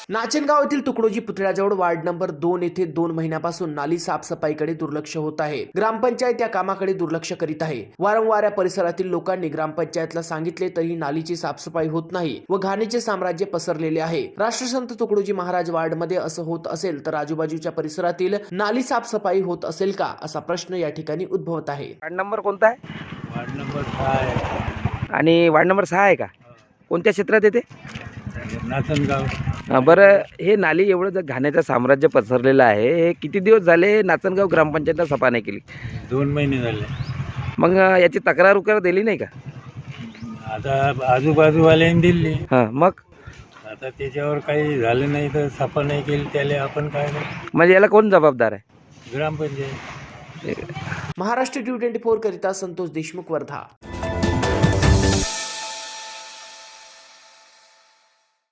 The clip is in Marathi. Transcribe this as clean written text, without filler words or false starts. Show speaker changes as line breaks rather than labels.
नाचनगाव येथील तुकडोजी पुतळ्याजवळ वार्ड नंबर 2 येथे 2 महिन्यापासून नाली साफसफाईकडे दुर्लक्ष होत आहे। ग्रामपंचायत या कामाकडे दुर्लक्ष करीत आहे। वारंवार या परिसरातील लोकांनी ग्रामपंचायतला सांगितले तरी नालीची साफसफाई होत नाही व घाणीचे साम्राज्य पसरलेले आहे। राष्ट्रसंत तुकडोजी महाराज वार्ड मध्ये असं होत असेल तर आजूबाजूच्या परिसरातील नाली साफसफाई होत असेल का असा प्रश्न या ठिकाणी उद्भवत आहे।
वार्ड नंबर कोणता आहे?
वार्ड नंबर 6 आहे
आणि वार्ड नंबर 6 आहे का? कोणत्या क्षेत्रात येते?
नाचनगाव।
बरं, हे नाली एवढं जर घाण्याचं साम्राज्य पसरलेलं आहे, हे किती दिवस झाले नाचनगाव ग्रामपंचायतला सफा नाही केली?
2 महिने झाले।
मग याची तक्रार उकार दिली नाही का?
आता आजूबाजूवाल्यांनी दिली,
हां, मग
आता त्याच्यावर काही झालं नाही तर सफा नाही केली, त्याला आपण काय करू?
म्हणजे याला कोण जबाबदार आहे?
ग्रामपंचायत।
महाराष्ट्र 24 करिता संतोष देशमुख, वर्धा।